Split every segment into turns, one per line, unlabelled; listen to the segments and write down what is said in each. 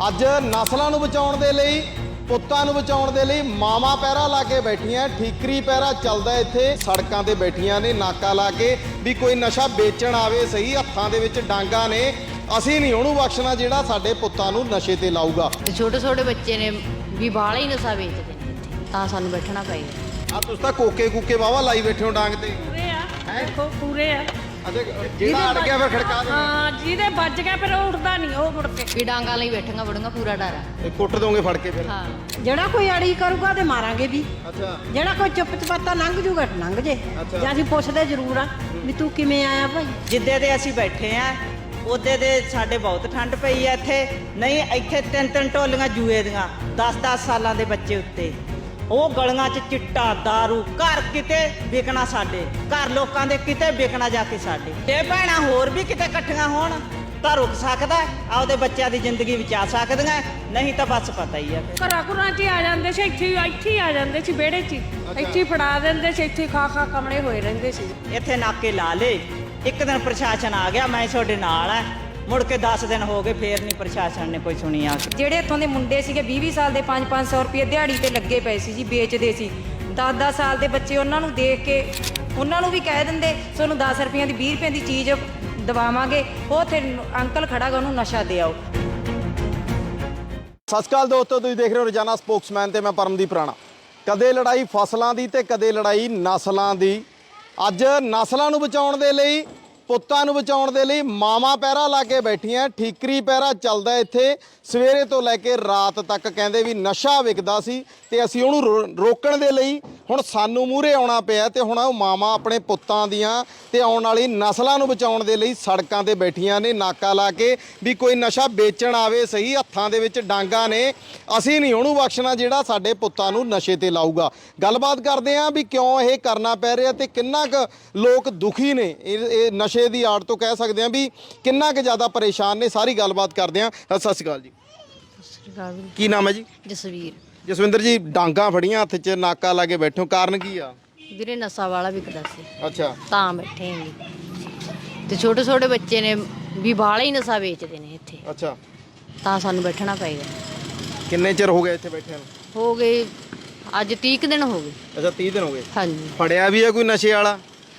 ਅੱਜ ਨਸਲਾਂ ਨੂੰ ਬਚਾਉਣ ਦੇ ਲਈ, ਪੁੱਤਾਂ ਨੂੰ ਬਚਾਉਣ ਦੇ ਲਈ ਮਾਵਾਂ ਪਹਿਰਾ ਲਾ ਕੇ ਬੈਠੀਆਂ। ਠੀਕਰੀ ਪਹਿਰਾ ਚੱਲਦਾ ਇੱਥੇ, ਸੜਕਾਂ ਤੇ ਬੈਠੀਆਂ ਨੇ ਨਾਕਾ ਲਾ ਕੇ ਵੀ ਕੋਈ ਨਸ਼ਾ ਵੇਚਣ ਆਵੇ ਸਹੀ। ਹੱਥਾਂ ਦੇ ਵਿੱਚ ਡਾਂਗਾ ਨੇ, ਅਸੀਂ ਨਹੀਂ ਉਹਨੂੰ ਬਖਸ਼ਣਾ ਜਿਹੜਾ ਸਾਡੇ ਪੁੱਤਾਂ ਨੂੰ ਨਸ਼ੇ ਤੇ ਲਾਊਗਾ।
ਛੋਟੇ ਛੋਟੇ ਬੱਚੇ ਨੇ ਵੀ ਬਾਹਲਾ ਹੀ ਨਸ਼ਾ ਵੇਚਦੇ ਨੇ ਇੱਥੇ, ਤਾਂ ਸਾਨੂੰ ਬੈਠਣਾ ਪਏਗਾ।
ਆ ਤੁਸੀਂ ਤਾਂ ਕੋਕੇ ਕੂਕੇ ਵਾਵਾ ਲਾਈ ਬੈਠੇ ਹੋ ਡਾਂਗ ਤੇ।
ਪੂਰੇ ਆ, ਦੇਖੋ ਪੂਰੇ ਆ।
ਅਤੇ ਜਿਹੜਾ ਅੜ ਗਿਆ ਫਿਰ ਖੜਕਾ ਦੇ।
ਹਾਂ, ਜਿਹਦੇ ਵੱਜ ਗਿਆ ਫਿਰ ਉਹ ਉੱਠਦਾ ਨਹੀਂ, ਉਹ ਮੁੜ ਕੇ
ਵੀ ਡਾਂਗਾ ਲਈ ਬੈਠਾਂਗਾ ਬੜੂੰਗਾ, ਪੂਰਾ ਡਰ ਆ।
ਇਹ ਕੁੱਟ ਦੋਗੇ ਫੜ ਕੇ ਫਿਰ।
ਹਾਂ,
ਜਿਹੜਾ ਕੋਈ ਅੜੀ ਕਰੂਗਾ ਤੇ ਮਾਰਾਂਗੇ ਵੀ।
ਅੱਛਾ,
ਜਿਹੜਾ ਕੋਈ ਚੁੱਪ ਚਪਾਤਾ ਲੰਘ ਜੂਗਾ ਲੰਘ ਜੇ।
ਅੱਛਾ।
ਜਾਂ ਅਸੀਂ ਪੁੱਛਦੇ ਜ਼ਰੂਰ ਆ ਵੀ ਤੂੰ ਕਿਵੇਂ ਆਇਆ ਭਾਈ।
ਜਿੱਦੇ ਦੇ ਅਸੀਂ ਬੈਠੇ ਆ ਉਹਦੇ ਦੇ ਸਾਡੇ ਬਹੁਤ ਠੰਡ ਪਈ ਆ ਇੱਥੇ। ਨਹੀਂ ਇੱਥੇ ਤਿੰਨ ਤਿੰਨ ਟੋਲੀਆਂ ਜੂਏ ਦੀਆਂ 10-10 ਸਾਲਾਂ ਦੇ ਬੱਚੇ ਉੱਤੇ, ਉਹ ਗਲੀਆਂ 'ਚ ਚਿੱਟਾ ਦਾਰੂ, ਘਰ ਕਿਤੇ ਵਿਕਣਾ ਸਾਡੇ, ਘਰ ਲੋਕਾਂ ਦੇ ਕਿਤੇ ਵਿਕਣਾ ਜਾ ਕੇ ਸਾਡੇ। ਇਹ ਭੈਣਾਂ ਹੋਰ ਵੀ ਕਿਤੇ ਇਕੱਠੀਆਂ ਹੋਣ ਤਾਂ ਰੁਕ ਸਕਦਾ, ਆਪਦੇ ਬੱਚਿਆਂ ਦੀ ਜ਼ਿੰਦਗੀ ਬਚਾ ਸਕਦੀਆਂ, ਨਹੀਂ ਤਾਂ ਬਸ ਪਤਾ ਹੀ ਆ ਫਿਰ।
ਘਰਾਂ ਘੁਰਾਂ 'ਚ ਹੀ ਆ ਜਾਂਦੇ ਸੀ, ਇੱਥੇ ਹੀ ਆ ਜਾਂਦੇ ਸੀ, ਵਿਹੜੇ 'ਚ ਇੱਥੇ ਹੀ ਫੜਾ ਦਿੰਦੇ ਸੀ, ਇੱਥੇ ਖਾ ਕਮਲੇ ਹੋਏ ਰਹਿੰਦੇ ਸੀ।
ਇੱਥੇ ਨਾਕੇ ਲਾ ਲੇ। ਇੱਕ ਦਿਨ ਪ੍ਰਸ਼ਾਸਨ ਆ ਗਿਆ, ਮੈਂ ਤੁਹਾਡੇ ਨਾਲ ਆ, ਮੁੜ ਕੇ 10 ਦਿਨ ਹੋ ਗਏ, ਫੇਰ ਨਹੀਂ ਪ੍ਰਸ਼ਾਸਨ ਨੇ ਕੋਈ ਸੁਣੀ ਆ ਕੇ।
ਜਿਹੜੇ ਇੱਥੋਂ ਦੇ ਮੁੰਡੇ ਸੀਗੇ 20-20 ਸਾਲ ਦੇ 500-500 ਰੁਪਏ ਦਿਹਾੜੀ ਤੇ ਲੱਗੇ ਪਏ ਸੀ ਜੀ, ਵੇਚਦੇ ਸੀ। 10-10 ਸਾਲ ਦੇ ਬੱਚੇ ਉਹਨਾਂ ਨੂੰ ਦੇਖ ਕੇ ਉਹਨਾਂ ਨੂੰ ਵੀ ਕਹਿ ਦਿੰਦੇ ਤੁਹਾਨੂੰ 10 ਰੁਪਈਆਂ ਦੀ 20 ਰੁਪਏ ਦੀ ਚੀਜ਼ ਦਵਾਵਾਂਗੇ, ਉਹ ਉੱਥੇ ਅੰਕਲ ਖੜਾਗਾ ਉਹਨੂੰ ਨਸ਼ਾ ਦੇ ਆਓ।
ਸਤਿ ਸ਼੍ਰੀ ਅਕਾਲ ਦੋਸਤੋ, ਤੁਸੀਂ ਦੇਖ ਰਹੇ ਹੋ ਰੋਜ਼ਾਨਾ ਸਪੋਕਸਮੈਨ ਤੇ ਮੈਂ ਪਰਮਦੀਪ ਰਾਣਾ। ਕਦੇ ਲੜਾਈ ਫਸਲਾਂ ਦੀ ਤੇ ਕਦੇ ਲੜਾਈ ਨਸਲਾਂ ਦੀ। ਅੱਜ ਨਸਲਾਂ ਨੂੰ ਬਚਾਉਣ ਦੇ ਲਈ, ਪੁੱਤਾਂ ਨੂੰ ਬਚਾਉਣ ਦੇ ਲਈ ਮਾਵਾਂ ਪਹਿਰਾ ਲਾ ਕੇ ਬੈਠੀਆਂ। ਠੀਕਰੀ ਪਹਿਰਾ ਚੱਲਦਾ ਇੱਥੇ ਸਵੇਰੇ ਤੋਂ ਲੈ ਕੇ ਰਾਤ ਤੱਕ। ਕਹਿੰਦੇ ਵੀ ਨਸ਼ਾ ਵਿਕਦਾ ਸੀ ਤੇ ਅਸੀਂ ਉਹਨੂੰ ਰੋਕਣ ਦੇ ਲਈ ਹੁਣ ਸਾਨੂੰ ਮੂਹਰੇ ਆਉਣਾ ਪਿਆ ਤੇ ਹੁਣ ਉਹ ਮਾਵਾਂ ਆਪਣੇ ਪੁੱਤਾਂ ਦੀਆਂ ਤੇ ਆਉਣ ਵਾਲੀ ਨਸਲਾਂ ਨੂੰ ਬਚਾਉਣ ਦੇ ਲਈ ਸੜਕਾਂ ਤੇ ਬੈਠੀਆਂ ਨੇ ਨਾਕਾ ਲਾ ਕੇ ਵੀ ਕੋਈ ਨਸ਼ਾ ਵੇਚਣ ਆਵੇ ਸਹੀ। ਹੱਥਾਂ ਦੇ ਵਿੱਚ ਡਾਂਗਾ ਨੇ, ਅਸੀਂ ਨਹੀਂ ਉਹਨੂੰ ਬਖਸ਼ਣਾ ਜਿਹੜਾ ਸਾਡੇ ਪੁੱਤਾਂ ਨੂੰ ਨਸ਼ੇ ਤੇ ਲਾਊਗਾ। ਗੱਲਬਾਤ ਕਰਦੇ ਹਾਂ ਵੀ ਕਿਉਂ ਇਹ ਕਰਨਾ ਪੈ ਰਿਹਾ ਤੇ ਕਿੰਨਾ ਕੁ ਲੋਕ ਦੁਖੀ ਨੇ ਇਹ ਨਸ਼ੇ ਦੀ ਆੜ ਤੋਂ, ਕਹਿ ਸਕਦੇ ਹਾਂ ਵੀ ਕਿੰਨਾ ਕੁ ਜ਼ਿਆਦਾ ਪਰੇਸ਼ਾਨ ਨੇ। ਸਾਰੀ ਗੱਲਬਾਤ ਕਰਦੇ ਹਾਂ। ਸਤਿ ਸ਼੍ਰੀ ਅਕਾਲ ਜੀ। ਕੀ ਨਾਮ ਹੈ ਜੀ?
ਜਸਵੀਰ।
ਜਸਵਿੰਦਰ ਜੀ, ਡਾਂਗਾ ਫੜੀਆਂ ਹੱਥ 'ਚ, ਨਾਕਾ ਲਾ ਕੇ ਬੈਠੋ, ਕਾਰਨ ਕੀ ਆ?
ਵੀਰੇ ਨਸ਼ਾ ਵਾਲਾ ਵਿਕਦਾ ਸੀ,
ਅੱਛਾ,
ਤਾਂ ਬੈਠੇ ਆਂ। ਤੇ ਛੋਟੇ ਛੋਟੇ ਬੱਚੇ ਨੇ ਵੀ ਬਾਹਲਾ ਹੀ ਨਸ਼ਾ ਵੇਚਦੇ ਨੇ ਇੱਥੇ,
ਅੱਛਾ।
ਤਾਂ ਸਾਨੂੰ ਬੈਠਣਾ ਪਏਗਾ।
ਕਿੰਨੇ ਚਿਰ ਹੋ ਗਿਆ ਇੱਥੇ ਬੈਠਿਆਂ ਨੂੰ?
ਹੋ ਗਏ ਅੱਜ 30 ਕੁ ਦਿਨ ਹੋ ਗਏ।
ਅੱਛਾ, 30 ਦਿਨ ਹੋ ਗਏ।
ਹਾਂਜੀ,
ਫੜਿਆ ਵੀ ਆ ਕੋਈ ਨਸ਼ੇ ਵਾਲਾ?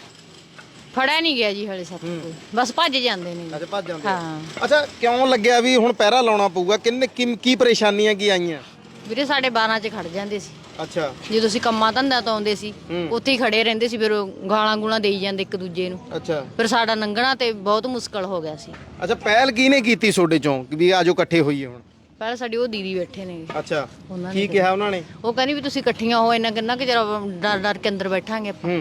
ਫੜਿਆ ਨਹੀਂ ਗਿਆ ਜੀ ਹਲੇ ਸਾਥੋਂ ਕੋਈ, ਬਸ ਭੱਜ ਜਾਂਦੇ ਨੇ।
ਅੱਛਾ, ਭੱਜ ਜਾਂਦੇ ਆ।
ਹਾਂ
ਅੱਛਾ, ਕਿਉਂ ਲੱਗਿਆ ਵੀ ਹੁਣ ਪਹਿਰਾ ਲਾਉਣਾ ਪਊਗਾ? ਕੀ ਪਰੇਸ਼ਾਨੀਆਂ ਕੀ ਆਈਆਂ?
ਵੀਰੇ ਸਾਡੇ 12 ਚ ਖੜ ਜਾਂਦੇ ਸੀ,
ਅੱਛਾ,
ਜਦੋਂ ਅਸੀਂ ਕੰਮਾਂ ਧੰਦਾ ਤੋਂ ਆਉਂਦੇ ਸੀ ਉੱਥੇ ਹੀ ਖੜੇ ਰਹਿੰਦੇ ਸੀ। ਫਿਰ ਉਹ ਗਾਲਾਂ ਗੂਲਾਂ ਦੇਈ ਜਾਂਦੇ ਇੱਕ ਦੂਜੇ ਨੂੰ,
ਅੱਛਾ।
ਫਿਰ ਸਾਡਾ ਲੰਘਣਾ ਤੇ ਬਹੁਤ ਮੁਸ਼ਕਲ ਹੋ ਗਿਆ ਸੀ।
ਅੱਛਾ, ਪਹਿਲ ਕਿਹਨੇ ਕੀਤੀ ਤੁਹਾਡੇ ਚੋਂ ਵੀ ਆਜੋ ਇਕੱਠੇ ਹੋਈਏ ਹੁਣ?
ਪਹਿਲਾਂ ਸਾਡੀ ਉਹ ਦੀਦੀ ਬੈਠੇ ਨੇ,
ਅੱਛਾ,
ਉਹਨਾਂ ਨੇ
ਕੀ ਕਿਹਾ ਉਹਨਾਂ ਨੇ?
ਉਹ ਕਹਿੰਦੀ ਵੀ ਤੁਸੀਂ ਇਕੱਠੀਆਂ ਹੋ, ਇੰਨਾ ਕਿੰਨਾ ਕਿ ਜਰਾ ਡਰ ਡਰ ਕੇ ਅੰਦਰ ਬੈਠਾਂਗੇ ਆਪਾਂ।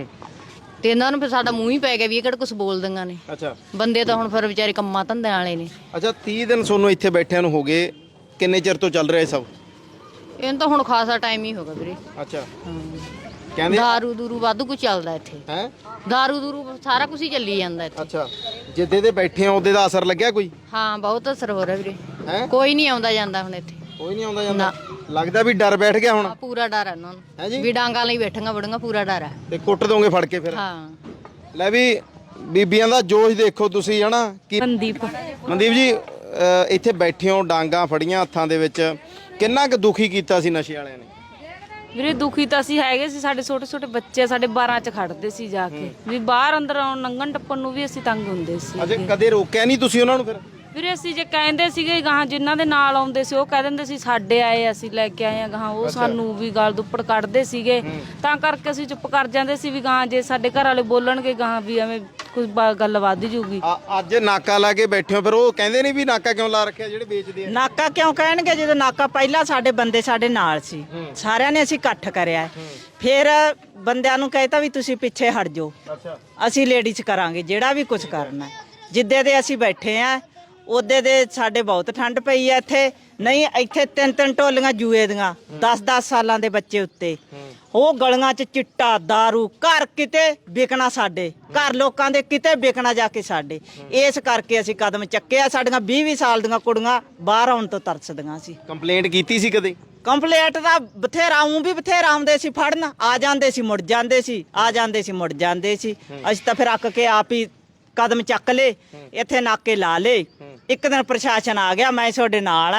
ਤੇ ਇਹਨਾਂ ਨੂੰ ਫਿਰ ਸਾਡਾ ਮੂੰਹ ਹੀ ਪੈ ਗਿਆ ਵੀ ਇਹ ਕਿਹੜਾ ਕੁਝ ਬੋਲ ਦਿੰਗਾ ਨੇ।
ਅੱਛਾ,
ਬੰਦੇ ਤਾਂ ਹੁਣ ਫਿਰ ਵਿਚਾਰੇ ਕੰਮਾਂ ਧੰਦਿਆਂ ਵਾਲੇ ਨੇ।
ਅੱਛਾ, 30 ਦਿਨ ਤੁਹਾਨੂੰ ਇੱਥੇ ਬੈਠਿਆਂ ਨੂੰ ਹੋ ਗਏ, ਕਿੰਨੇ ਚਿਰ ਤੋਂ ਚੱਲ ਰਿਹਾ ਇਹ ਸਭ?
ਇਹਨਾਂ ਤਾਂ ਹੁਣ ਖਾਸਾ ਟਾਈਮ ਹੀ ਹੋ ਗਿਆ ਵੀਰੇ।
ਅੱਛਾ,
ਹਾਂ,
ਕਹਿੰਦੇ
ਦਾਰੂ ਦੂਰੂ ਵਾਧੂ ਕੁਝ ਚੱਲਦਾ ਇੱਥੇ।
ਹੈ?
ਦਾਰੂ ਦੂਰੂ ਸਾਰਾ ਕੁਝ ਹੀ ਚੱਲੀ ਜਾਂਦਾ ਇੱਥੇ।
ਅੱਛਾ, ਜਿੱਦੇ ਦੇ ਬੈਠੇ ਆ ਉਹਦੇ ਦਾ ਅਸਰ ਲੱਗਿਆ ਕੋਈ?
ਹਾਂ, ਬਹੁਤ ਅਸਰ ਹੋ ਰਿਹਾ ਵੀਰੇ।
ਹੈ?
ਕੋਈ ਨਹੀਂ ਆਉਂਦਾ ਜਾਂਦਾ ਹੁਣ ਇੱਥੇ,
ਕੋਈ ਨਹੀਂ ਆਉਂਦਾ ਜਾਂਦਾ? ਲੱਗਦਾ ਵੀ ਡਰ ਬੈਠ ਗਿਆ ਹੁਣ?
ਆ ਪੂਰਾ ਡਰ ਹੈ ਉਹਨਾਂ
ਹੈਂ ਜੀ?
ਨੂੰ ਵੀ ਡਾਂਗਾ ਲਈ ਬੈਠਾਂਗਾ ਬੜੂੰਗਾ, ਪੂਰਾ ਡਰ ਹੈ।
ਤੇ ਕੁੱਟ ਦੋਗੇ ਫੜ ਕੇ ਫਿਰ?
ਹਾਂ,
ਲੈ ਵੀ ਬੀਬੀਆਂ ਦਾ ਜੋਸ਼ ਦੇਖੋ ਤੁਸੀਂ, ਹਨਾ? ਕੀ
ਮਨਦੀਪ
ਮਨਦੀਪ ਜੀ, ਇੱਥੇ ਬੈਠੇ ਹੋ, ਡਾਂਗਾ ਫੜੀਆਂ ਹੱਥਾਂ ਦੇ ਵਿੱਚ, ਕਿੰਨਾ ਕੁ ਦੁਖੀ ਕੀਤਾ ਸੀ ਨਸ਼ੇ ਵਾਲਿਆਂ ਨੇ?
ਵੀਰੇ ਦੁਖੀ ਤਾਂ ਅਸੀਂ ਹੈਗੇ ਸੀ, ਸਾਡੇ ਛੋਟੇ ਛੋਟੇ ਬੱਚੇ ਸਾਡੇ 12 ਚ ਖੜਦੇ ਸੀ ਜਾ ਕੇ, ਵੀ ਬਾਹਰ ਅੰਦਰ ਆਉਣ ਲੰਘਣ ਟੱਪਣ ਨੂੰ ਵੀ ਅਸੀਂ ਤੰਗ ਹੁੰਦੇ ਸੀ।
ਅਜੇ ਕਦੇ ਰੋਕਿਆ ਨਹੀਂ ਤੁਸੀਂ ਉਹਨਾਂ ਨੂੰ ਫਿਰ?
ਵੀਰੇ ਅਸੀਂ ਜੇ ਕਹਿੰਦੇ ਸੀਗੇ ਗਾਹਾਂ ਜਿਨ੍ਹਾਂ ਦੇ ਨਾਲ ਆਉਂਦੇ ਸੀ ਉਹ ਕਹਿ ਦਿੰਦੇ ਸੀ ਸਾਡੇ ਆਏ ਅਸੀਂ ਲੈ ਕੇ ਆਏ ਆ ਗਾਹਾਂ, ਉਹ ਸਾਨੂੰ ਵੀ ਗਾਲ ਦੁੱਪੜ ਕੱਢਦੇ ਸੀਗੇ, ਤਾਂ ਕਰਕੇ ਅਸੀਂ ਚੁੱਪ ਕਰ ਜਾਂਦੇ ਸੀ ਵੀ ਗਾਹਾਂ ਜੇ ਸਾਡੇ ਘਰ ਵਾਲੇ ਬੋਲਣਗੇ ਗਾਹਾਂ ਵੀ ਐਵੇਂ ਕੁਝ ਗੱਲ ਵੱਧ ਜੂਗੀ।
ਅੱਜ ਨਾਕਾ ਲਾ ਕੇ ਬੈਠੇ ਹੋ, ਫਿਰ ਉਹ ਕਹਿੰਦੇ ਨਹੀਂ ਵੀ ਨਾਕਾ ਕਿਉਂ ਲਾ ਰੱਖਿਆ ਜਿਹੜੇ ਵੇਚਦੇ ਆ?
ਨਾਕਾ ਕਿਉਂ ਕਹਿਣਗੇ ਜਦੋਂ ਨਾਕਾ ਪਹਿਲਾਂ ਸਾਡੇ ਬੰਦੇ ਸਾਡੇ ਨਾਲ ਸੀ, ਸਾਰਿਆਂ ਨੇ ਅਸੀਂ ਇਕੱਠ ਕਰਿਆ। ਫਿਰ ਬੰਦਿਆਂ ਨੂੰ ਕਹਿਤਾ ਵੀ ਤੁਸੀਂ ਪਿੱਛੇ ਹਟ ਜਾਓ, ਅਸੀਂ ਲੇਡੀਜ਼ ਕਰਾਂਗੇ ਜਿਹੜਾ ਵੀ ਕੁਝ ਕਰਨਾ। ਜਿੱਦੇ ਦੇ ਅਸੀਂ ਬੈਠੇ ਆ ਉਹਦੇ ਦੇ ਸਾਡੇ ਬਹੁਤ ਠੰਡ ਪਈ ਆ ਇੱਥੇ। ਨਹੀਂ ਇੱਥੇ ਤਿੰਨ ਤਿੰਨ ਟੋਲੀਆਂ ਜੂਏ ਦੀਆਂ 10-10 ਸਾਲਾਂ ਦੇ ਬੱਚੇ ਉੱਤੇ, ਉਹ ਗਲੀਆਂ 'ਚ ਚਿੱਟਾ ਦਾਰੂ, ਘਰ ਕਿਤੇ ਵਿਕਣਾ ਸਾਡੇ, ਘਰ ਲੋਕਾਂ ਦੇ ਕਿਤੇ ਵਿਕਣਾ ਜਾ ਕੇ ਸਾਡੇ। ਇਸ ਕਰਕੇ ਅਸੀਂ ਕਦਮ ਚੱਕਿਆ। ਸਾਡੀਆਂ 20-20 ਸਾਲ ਦੀਆਂ ਕੁੜੀਆਂ ਬਾਹਰ ਆਉਣ ਤੋਂ ਤਰਸਦੀਆਂ ਸੀ।
ਕੰਪਲੇਂਟ ਕੀਤੀ ਸੀ ਕਦੇ?
ਕੰਪਲੇਂਟ ਦਾ ਬਥੇਰਾ ਵੀ ਬਥੇਰਾ ਆਉਂਦੇ ਸੀ ਫੜਨ, ਆ ਜਾਂਦੇ ਸੀ ਮੁੜ ਜਾਂਦੇ ਸੀ, ਆ ਜਾਂਦੇ ਸੀ ਮੁੜ ਜਾਂਦੇ ਸੀ। ਅਸੀਂ ਤਾਂ ਫਿਰ ਅੱਕ ਕੇ ਆਪ ਹੀ ਕਦਮ ਚੱਕ ਲੇ, ਇੱਥੇ ਨਾਕੇ ਲਾ ਲੇ। ਇੱਕ ਦਿਨ ਪ੍ਰਸ਼ਾਸਨ ਆ ਗਿਆ, ਮੈਂ ਤੁਹਾਡੇ ਨਾਲ ਆ,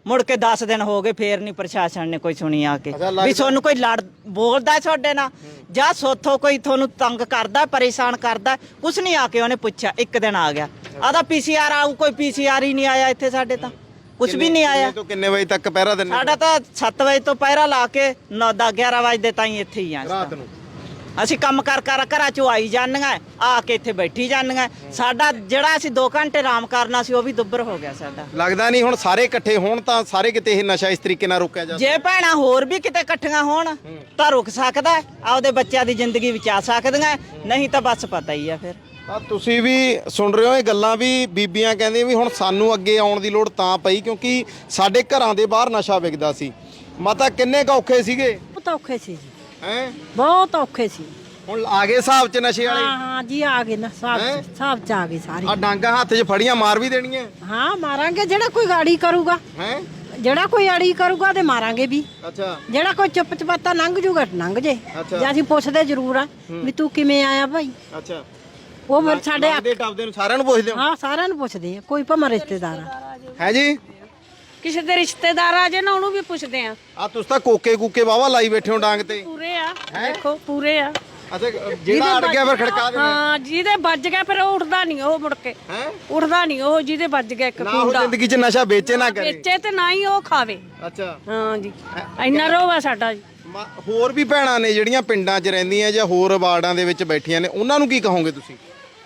ਮੁੜ ਕੇ 10 ਦਿਨ ਹੋ ਗਏ ਫੇਰ ਨਹੀਂ ਪ੍ਰਸ਼ਾਸਨ ਨੇ ਕੋਈ ਸੁਣੀ ਆ ਕੇ
ਅੱਛਾ, ਲੱਗਦਾ-
ਵੀ ਤੁਹਾਨੂੰ ਕੋਈ ਲੜ ਬੋਲਦਾ ਤੁਹਾਡੇ ਨਾਲ ਜਾਂ ਸੋਥੋਂ ਕੋਈ ਤੁਹਾਨੂੰ ਤੰਗ ਕਰਦਾ ਪਰੇਸ਼ਾਨ ਕਰਦਾ ਕੁਛ ਨਹੀਂ ਆ ਕੇ ਉਹਨੇ ਪੁੱਛਿਆ। ਇੱਕ ਦਿਨ ਆ ਗਿਆ ਆਦਾ ਪੀਸੀਆਰ ਆਊ, ਕੋਈ ਪੀਸੀਆਰ ਹੀ ਨਹੀਂ ਆਇਆ ਇੱਥੇ ਸਾਡੇ ਤਾਂ ਕੁਛ ਵੀ ਨਹੀਂ ਆਇਆ।
ਕਿੰਨੇ ਤੋਂ ਕਿੰਨੇ ਵਜੇ ਤੱਕ ਪਹਿਰਾ ਦਿੰਦੇ
ਸਾਡਾ ਤਾਂ 7 ਵਜੇ ਤੋਂ ਪਹਿਰਾ ਲਾ ਕੇ 9-11 ਵਜੇ ਦੇ ਤਾਈਂ ਇੱਥੇ ਹੀ ਆ
ਰਾਤ ਨੂੰ?
ਅਸੀਂ ਕੰਮ ਕਰ ਘਰਾਂ ਚੋਂ ਆਈ ਜਾਂਦੀਆਂ ਆ ਕੇ ਇੱਥੇ ਬੈਠੀ ਜਾਂਦੀਆਂ। ਸਾਡਾ ਜਿਹੜਾ ਅਸੀਂ 2 ਘੰਟੇ ਆਰਾਮ ਕਰਨਾ ਸੀ ਉਹ ਵੀ ਦੁੱਬਰ ਹੋ ਗਿਆ ਸਾਡਾ।
ਲੱਗਦਾ ਨਹੀਂ ਹੁਣ ਸਾਰੇ ਇਕੱਠੇ ਹੋਣ ਤਾਂ ਸਾਰੇ ਕਿਤੇ ਇਹ ਨਸ਼ਾ ਇਸ ਤਰੀਕੇ ਨਾਲ ਰੋਕਿਆ ਜਾ
ਜੇ ਭੈਣਾਂ ਹੋਰ ਵੀ ਕਿਤੇ ਇਕੱਠੀਆਂ ਹੋਣ ਤਾਂ ਰੁਕ ਸਕਦਾ, ਆਪਦੇ ਬੱਚਿਆਂ ਦੀ ਜ਼ਿੰਦਗੀ ਬਚਾ ਸਕਦੀਆਂ, ਨਹੀਂ ਤਾਂ ਬਸ ਪਤਾ ਹੀ ਆ ਫਿਰ।
ਤਾਂ ਤੁਸੀਂ ਵੀ ਸੁਣ ਰਹੇ ਹੋ ਇਹ ਗੱਲਾਂ ਵੀ ਬੀਬੀਆਂ ਕਹਿੰਦੀਆਂ ਵੀ ਹੁਣ ਸਾਨੂੰ ਅੱਗੇ ਆਉਣ ਦੀ ਲੋੜ ਤਾਂ ਪਈ ਕਿਉਂਕਿ ਸਾਡੇ ਘਰਾਂ ਦੇ ਬਾਹਰ ਨਸ਼ਾ ਵਿਕਦਾ ਸੀ। ਮਾਤਾ ਕਿੰਨੇ ਕੁ ਔਖੇ ਸੀਗੇ?
ਬਹੁਤ ਔਖੇ ਸੀ ਜੀ,
ਹੈ
ਬਹੁਤ ਔਖੇ ਸੀ।
ਹੁਣ ਆ ਗਏ ਹਿਸਾਬ 'ਚ ਨਸ਼ੇ ਵਾਲੇ?
ਹਾਂ ਜੀ ਆ ਗਏ ਨਾ, ਹਿਸਾਬ ਚ ਆ ਗਏ ਸਾਰੇ।
ਆ ਡਾਂਗਾ ਹੱਥ 'ਚ ਫੜੀਆਂ ਮਾਰ ਵੀ ਦੇਣੀਆਂ?
ਹਾਂ ਮਾਰਾਂਗੇ, ਜਿਹੜਾ ਕੋਈ ਗਾੜੀ ਕਰੂਗਾ,
ਹੈ
ਜਿਹੜਾ ਕੋਈ ਅੜੀ ਕਰੂਗਾ ਤੇ ਮਾਰਾਂਗੇ ਵੀ।
ਅੱਛਾ
ਜਿਹੜਾ ਕੋਈ ਚੁੱਪ ਚਪਾਤਾ ਲੰਘ ਜੂਗਾ ਲੰਘ ਜੇ।
ਅੱਛਾ।
ਜੇ ਅਸੀਂ ਪੁੱਛਦੇ ਜ਼ਰੂਰ ਆ ਵੀ ਤੂੰ ਕਿਵੇਂ ਆਇਆ ਭਾਈ,
ਅੱਛਾ।
ਉਹ ਫਿਰ ਸਾਡੇ
ਦੇ ਟੱਪਦੇ ਨੂੰ ਸਾਰਿਆਂ ਨੂੰ ਪੁੱਛਦੇ ਹੋ?
ਹਾਂ ਸਾਰਿਆਂ ਨੂੰ ਪੁੱਛਦੇ ਆ, ਕੋਈ ਭਾਵੇਂ ਰਿਸ਼ਤੇਦਾਰ ਆ।
ਹੈ ਜੀ?
ਕਿਸੇ ਦੇ ਰਿਸ਼ਤੇਦਾਰ ਆ ਜੇ ਨਾ ਉਹਨੂੰ ਵੀ ਪੁੱਛਦੇ ਆ।
ਆ ਤੁਸੀਂ ਤਾਂ ਕੋਕੇ ਕੂਕੇ ਵਾਵਾ ਲਾਈ ਬੈਠੇ ਹੋ ਡਾਂਗ ਤੇ।
ਪੂਰੇ ਆ, ਦੇਖੋ ਪੂਰੇ ਆ।
ਅੱਛਾ ਜਿਹੜਾ ਅੜ ਗਿਆ ਫਿਰ ਖੜਕਾ ਦੇਣਾ?
ਹਾਂ, ਜਿਹਦੇ ਵੱਜ ਗਿਆ ਫਿਰ ਉਹ ਉੱਠਦਾ ਨਹੀਂ, ਉਹ ਮੁੜ ਕੇ
ਹੈ
ਉੱਠਦਾ ਨਹੀਂ ਉਹ ਜਿਹਦੇ ਵੱਜ ਗਿਆ ਇੱਕ
ਨਾ ਉਹ
ਕੁੰਡਾ।
ਜ਼ਿੰਦਗੀ 'ਚ ਨਸ਼ਾ ਵੇਚੇ ਨਾ ਕਰੇ।
ਵੇਚੇ ਤੇ ਨਾ ਹੀ ਉਹ ਖਾਵੇ।
ਅੱਛਾ।
ਹਾਂ ਜੀ, ਇੰਨਾ ਰੋਹ ਆ ਸਾਡਾ ਜੀ।
ਹੋਰ ਵੀ ਭੈਣਾਂ ਨੇ ਜਿਹੜੀਆਂ ਪਿੰਡਾਂ 'ਚ ਰਹਿੰਦੀਆਂ ਜਾਂ ਹੋਰ ਵਾਰਡਾਂ ਦੇ ਵਿੱਚ ਬੈਠੀਆਂ ਨੇ, ਉਹਨਾਂ ਨੂੰ ਕੀ ਕਹੋਗੇ ਤੁਸੀਂ?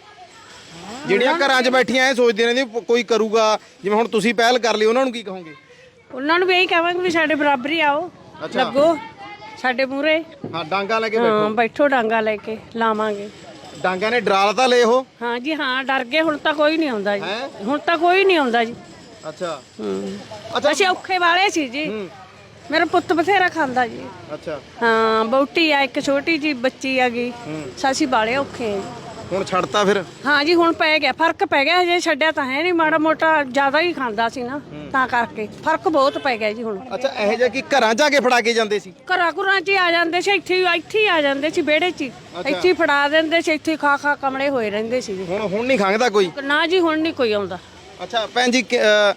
ਜਿਹੜੀਆਂ ਘਰਾਂ 'ਚ ਬੈਠੀਆਂ ਇਹ ਸੋਚਦੀਆਂ ਨੇ ਵੀ ਕੋਈ ਕਰੂਗਾ, ਜਿਵੇਂ ਹੁਣ ਤੁਸੀਂ ਪਹਿਲ ਕਰ ਲਈ, ਉਹਨਾਂ ਨੂੰ ਕੀ ਕਹੋਗੇ?
ਉਹਨਾਂ ਨੂੰ ਵੀ ਇਹੀ ਕਹਾਂਗੇ ਵੀ ਸਾਡੇ ਬਰਾਬਰੀ ਆਓ, ਲੱਗੋ ਸਾਡੇ ਮੂਹਰੇ।
ਹਾਂ ਡਾਂਗਾ ਲੈ ਕੇ
ਹਾਂ ਬੈਠੋ, ਡਾਂਗਾ ਲੈ ਕੇ ਲਾਵਾਂਗੇ।
ਡਾਂਗਾ ਨੇ ਡਰਾਲ ਤਾਂ ਲਏ ਉਹ?
ਹਾਂ ਜੀ ਹਾਂ, ਡਰ ਗਏ। ਹੁਣ ਤਾਂ ਕੋਈ ਨਹੀਂ ਆਉਂਦਾ ਜੀ, ਹੁਣ ਤਾਂ ਕੋਈ ਨਹੀਂ ਆਉਂਦਾ ਜੀ।
ਅੱਛਾ
ਅੱਛਾ, ਅਸੀਂ ਔਖੇ ਵਾਲੇ ਸੀ ਜੀ। ਮੇਰਾ ਪੁੱਤ ਬਥੇਰਾ ਖਾਂਦਾ ਜੀ।
ਅੱਛਾ।
ਹਾਂ, ਬੌਟੀ ਆ, ਇੱਕ ਛੋਟੀ ਜੀ ਬੱਚੀ ਆ ਗਈ। ਸਾਸੀ ਬਾਲੇ ਔਖੇ ਆ ਜੀ।
ਹੁਣ ਛੱਡਤਾ ਫਿਰ?
ਹਾਂ ਜੀ, ਹੁਣ ਪੈ ਗਿਆ, ਫਰਕ ਪੈ ਗਿਆ। ਹਜੇ ਛੱਡਿਆ ਤਾਂ ਹੈ ਨਹੀਂ, ਮਾੜਾ ਮੋਟਾ ਜ਼ਿਆਦਾ ਹੀ ਖਾਂਦਾ ਸੀ ਨਾ, ਤਾਂ ਕਰਕੇ ਫਰਕ ਬਹੁਤ ਪੈ ਗਿਆ ਜੀ ਹੁਣ।
ਅੱਛਾ, ਇਹੋ ਜਿਹਾ ਕਿ ਘਰਾਂ ਜਾ ਕੇ ਫੜਾ ਕੇ ਜਾਂਦੇ ਸੀ?
ਘਰਾਂ ਘੁਰਾਂ 'ਚ ਹੀ ਆ ਜਾਂਦੇ ਸੀ, ਇੱਥੇ ਹੀ ਆ ਜਾਂਦੇ ਸੀ, ਵਿਹੜੇ 'ਚ ਹੀ ਇੱਥੇ ਹੀ ਫੜਾ ਦਿੰਦੇ ਸੀ, ਇੱਥੇ ਖਾ ਕਮਲੇ ਹੋਏ ਰਹਿੰਦੇ ਸੀ।
ਹੁਣ ਨਹੀਂ ਖੰਗਦਾ ਕੋਈ?
ਨਾ ਜੀ, ਹੁਣ ਨਹੀਂ ਕੋਈ ਆਉਂਦਾ।
ਅੱਛਾ ਭੈਣ ਜੀ,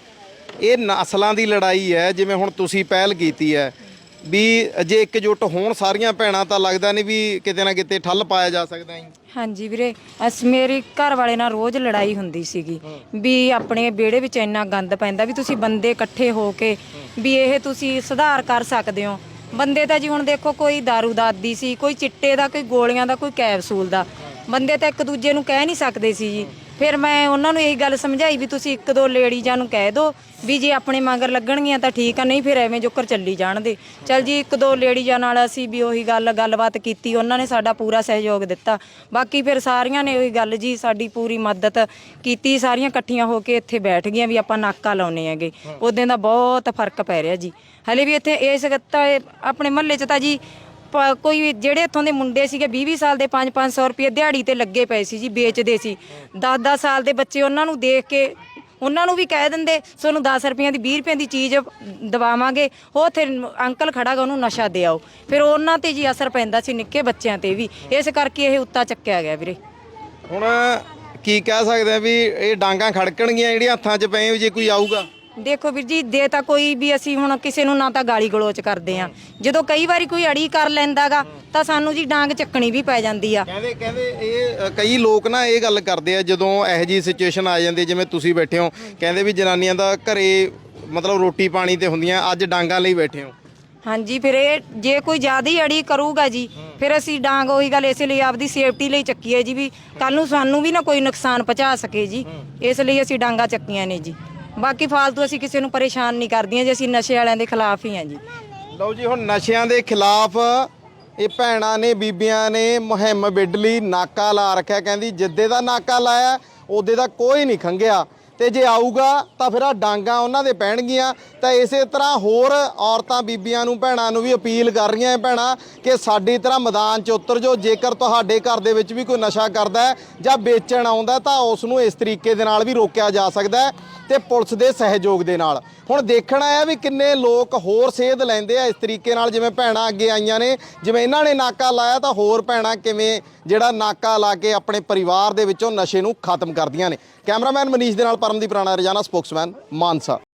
ਇਹ ਨਸਲਾਂ ਦੀ ਲੜਾਈ ਹੈ, ਜਿਵੇਂ ਹੁਣ ਤੁਸੀਂ ਪਹਿਲ ਕੀਤੀ ਹੈ ਵੀ ਜੇ ਇਕਜੁੱਟ ਹੋਣ ਸਾਰੀਆਂ ਭੈਣਾਂ ਤਾਂ ਲੱਗਦਾ ਨਹੀਂ ਵੀ ਕਿਤੇ ਨਾ ਕਿਤੇ ਠੱਲ ਪਾਇਆ ਜਾ ਸਕਦਾ ਹੈ।
ਹਾਂਜੀ ਵੀਰੇ, ਮੇਰੇ ਘਰ ਵਾਲੇ ਨਾਲ ਰੋਜ਼ ਲੜਾਈ ਹੁੰਦੀ ਸੀਗੀ ਵੀ ਆਪਣੇ ਵਿਹੜੇ ਵਿੱਚ ਇੰਨਾ ਗੰਦ ਪੈਂਦਾ ਵੀ ਤੁਸੀਂ ਬੰਦੇ ਇਕੱਠੇ ਹੋ ਕੇ ਵੀ ਇਹ ਤੁਸੀਂ ਸੁਧਾਰ ਕਰ ਸਕਦੇ ਹੋ। ਬੰਦੇ ਤਾਂ ਜੀ ਹੁਣ ਦੇਖੋ, ਕੋਈ ਦਾਰੂ ਦਾ ਆਦੀ ਸੀ, ਕੋਈ ਚਿੱਟੇ ਦਾ, ਕੋਈ ਗੋਲੀਆਂ ਦਾ, ਕੋਈ ਕੈਪਸੂਲ ਦਾ। ਬੰਦੇ ਤਾਂ ਇੱਕ ਦੂਜੇ ਨੂੰ ਕਹਿ ਨਹੀਂ ਸਕਦੇ ਸੀ ਜੀ। ਫਿਰ ਮੈਂ ਉਹਨਾਂ ਨੂੰ ਇਹੀ ਗੱਲ ਸਮਝਾਈ ਵੀ ਤੁਸੀਂ 1-2 ਲੇਡੀਜ਼ਾਂ ਨੂੰ ਕਹਿ ਦਿਓ ਵੀ ਜੇ ਆਪਣੇ ਮਗਰ ਲੱਗਣਗੀਆਂ ਤਾਂ ਠੀਕ ਆ, ਨਹੀਂ ਫਿਰ ਐਵੇਂ ਜੋਕਰ ਚੱਲੀ ਜਾਣਦੇ। ਚਲ ਜੀ, 1-2 ਲੇਡੀਜ਼ਾਂ ਨਾਲ ਅਸੀਂ ਵੀ ਉਹੀ ਗੱਲਬਾਤ ਕੀਤੀ, ਉਹਨਾਂ ਨੇ ਸਾਡਾ ਪੂਰਾ ਸਹਿਯੋਗ ਦਿੱਤਾ। ਬਾਕੀ ਫਿਰ ਸਾਰੀਆਂ ਨੇ ਉਹੀ ਗੱਲ ਜੀ, ਸਾਡੀ ਪੂਰੀ ਮਦਦ ਕੀਤੀ। ਸਾਰੀਆਂ ਇਕੱਠੀਆਂ ਹੋ ਕੇ ਇੱਥੇ ਬੈਠ ਗਈਆਂ ਵੀ ਆਪਾਂ ਨਾਕਾ ਲਾਉਨੇ ਹੈਗੇ। ਉਦੋਂ ਦਾ ਬਹੁਤ ਫਰਕ ਪੈ ਰਿਹਾ ਜੀ। ਹਲੇ ਵੀ ਇੱਥੇ ਇਸ ਆਪਣੇ ਮਹੱਲੇ 'ਚ ਤਾਂ ਜੀ ਕੋਈ ਜਿਹੜੇ ਇੱਥੋਂ ਦੇ ਮੁੰਡੇ ਸੀਗੇ 20-20 ਸਾਲ ਦੇ 500-500 ਰੁਪਏ ਦਿਹਾੜੀ ਤੇ ਲੱਗੇ ਪਏ ਸੀ ਜੀ, ਵੇਚਦੇ ਸੀ। 10-10 ਸਾਲ ਦੇ ਬੱਚੇ ਉਹਨਾਂ ਨੂੰ ਦੇਖ ਕੇ ਉਹਨਾਂ ਨੂੰ ਵੀ ਕਹਿ ਦਿੰਦੇ ਤੁਹਾਨੂੰ 10 ਰੁਪਈਆਂ ਦੀ 20 ਰੁਪਏ ਦੀ ਚੀਜ਼ ਦਵਾਵਾਂਗੇ, ਉਹ ਉੱਥੇ ਅੰਕਲ ਖੜਾ ਗਾ ਉਹਨੂੰ ਨਸ਼ਾ ਦੇ ਆਓ। ਫਿਰ ਉਹਨਾਂ ਤੇ ਜੀ ਅਸਰ ਪੈਂਦਾ ਸੀ, ਨਿੱਕੇ ਬੱਚਿਆਂ ਤੇ ਵੀ। ਇਸ ਕਰਕੇ ਇਹ ਉੱਤਾ ਚੱਕਿਆ ਗਿਆ ਵੀਰੇ।
ਹੁਣ ਕੀ ਕਹਿ ਸਕਦੇ ਆ ਵੀ ਇਹ ਡਾਂਗਾਂ ਖੜਕਣਗੀਆਂ ਜਿਹੜੀਆਂ ਹੱਥਾਂ 'ਚ ਪਏ ਜੇ ਕੋਈ ਆਊਗਾ?
ਦੇਖੋ ਵੀਰ ਜੀ, ਦੇ ਤਾਂ ਕੋਈ ਵੀ ਅਸੀਂ ਹੁਣ ਕਿਸੇ ਨੂੰ ਨਾ ਤਾਂ ਗਾਲੀ ਗਲੋਚ ਕਰਦੇ ਆ, ਜਦੋਂ ਕਈ ਵਾਰੀ ਕੋਈ ਅੜੀ ਕਰ ਲੈਂਦਾਗਾ ਤਾਂ ਸਾਨੂੰ ਜੀ ਡਾਂਗ ਚੱਕਣੀ ਵੀ ਪੈ ਜਾਂਦੀ ਆ।
ਕਹਿੰਦੇ ਇਹ ਕਈ ਲੋਕ ਨਾ ਇਹ ਗੱਲ ਕਰਦੇ ਆ ਜਦੋਂ ਇਹੋ ਜਿਹੀ ਸਿਚੁਏਸ਼ਨ ਆ ਜਾਂਦੀ ਜਿਵੇਂ ਤੁਸੀਂ ਬੈਠੇ ਹੋ, ਕਹਿੰਦੇ ਵੀ ਜਨਾਨੀਆਂ ਦਾ ਘਰੇ ਮਤਲਬ ਰੋਟੀ ਪਾਣੀ ਤੇ ਹੁੰਦੀਆਂ, ਅੱਜ ਡਾਂਗਾਂ ਲਈ ਬੈਠੇ ਹੋ।
ਹਾਂਜੀ, ਫਿਰ ਇਹ ਜੇ ਕੋਈ ਜ਼ਿਆਦਾ ਹੀ ਅੜੀ ਕਰੂਗਾ ਜੀ, ਫਿਰ ਅਸੀਂ ਡਾਂਗ ਉਹੀ ਗੱਲ ਇਸੇ ਲਈ ਆਪਦੀ ਸੇਫਟੀ ਲਈ ਚੱਕੀ ਹੈ ਜੀ, ਵੀ ਕੱਲ ਨੂੰ ਸਾਨੂੰ ਵੀ ਨਾ ਕੋਈ ਨੁਕਸਾਨ ਪਹੁੰਚਾ ਸਕੇ ਜੀ। ਇਸ ਲਈ ਅਸੀਂ ਡਾਂਗਾ ਚੱਕੀਆਂ ਨੇ ਜੀ। ਬਾਕੀ ਫਾਲਤੂ ਅਸੀਂ ਕਿਸੇ ਨੂੰ ਪਰੇਸ਼ਾਨ ਨਹੀਂ ਕਰਦੀਆਂ ਜੀ, ਅਸੀਂ ਨਸ਼ੇ ਵਾਲਿਆਂ ਦੇ ਖਿਲਾਫ ਹੀ ਹਾਂ ਜੀ।
ਲਓ ਜੀ, ਹੁਣ ਨਸ਼ਿਆਂ ਦੇ ਖਿਲਾਫ ਇਹ ਭੈਣਾਂ ਨੇ, ਬੀਬੀਆਂ ਨੇ ਮੁਹਿੰਮ ਵਿੱਢ ਲਈ, ਨਾਕਾ ਲਾ ਰੱਖਿਆ। ਕਹਿੰਦੀ ਜਿੱਦੇ ਦਾ ਨਾਕਾ ਲਾਇਆ ਉਹਦੇ ਦਾ ਕੋਈ ਨਹੀਂ ਖੰਗਿਆ, ਤੇ ਜੇ ਆਊਗਾ ਤਾਂ ਫਿਰ ਆ ਡਾਂਗਾਂ ਉਹਨਾਂ ਦੇ ਪੈਣਗੀਆਂ। ਤਾਂ ਇਸੇ ਤਰ੍ਹਾਂ ਹੋਰ ਔਰਤਾਂ, ਬੀਬੀਆਂ ਨੂੰ, ਭੈਣਾਂ ਨੂੰ ਵੀ ਅਪੀਲ ਕਰ ਰਹੀਆਂ ਭੈਣਾਂ ਕਿ ਸਾਡੀ ਤਰ੍ਹਾਂ ਮੈਦਾਨ 'ਚ ਉਤਰ ਜਾਓ। ਜੇਕਰ ਤੁਹਾਡੇ ਘਰ ਦੇ ਵਿੱਚ ਵੀ ਕੋਈ ਨਸ਼ਾ ਕਰਦਾ ਹੈ ਜਾਂ ਵੇਚਣ ਆਉਂਦਾ ਤਾਂ ਉਸ ਨੂੰ ਇਸ ਤਰੀਕੇ ਦੇ ਨਾਲ ਵੀ ਰੋਕਿਆ ਜਾ ਸਕਦਾ ਹੈ, ਤੇ ਪੁਲਿਸ ਦੇ ਸਹਿਯੋਗ ਦੇ ਨਾਲ। ਹੁਣ ਦੇਖਣਾ ਹੈ ਵੀ ਕਿੰਨੇ ਲੋਕ ਹੋਰ ਸੇਧ ਲੈਂਦੇ ਆ ਇਸ ਤਰੀਕੇ ਨਾਲ, ਜਿਵੇਂ ਭੈਣਾਂ ਅੱਗੇ ਆਈਆਂ ਨੇ, ਜਿਵੇਂ ਇਹਨਾਂ ਨੇ ਨਾਕਾ ਲਾਇਆ, ਤਾਂ ਹੋਰ ਭੈਣਾਂ ਕਿਵੇਂ ਜਿਹੜਾ ਨਾਕਾ ਲਾ ਕੇ ਆਪਣੇ ਪਰਿਵਾਰ ਦੇ ਵਿੱਚੋਂ ਨਸ਼ੇ ਨੂੰ ਖਤਮ ਕਰਦੀਆਂ ਨੇ। ਕੈਮਰਾਮੈਨ ਮਨੀਸ਼ ਦੇ ਨਾਲ ਪਰਮਦੀਪ ਰਾਣਾ, ਰੋਜ਼ਾਨਾ ਸਪੋਕਸਮੈਨ, ਮਾਨਸਾ।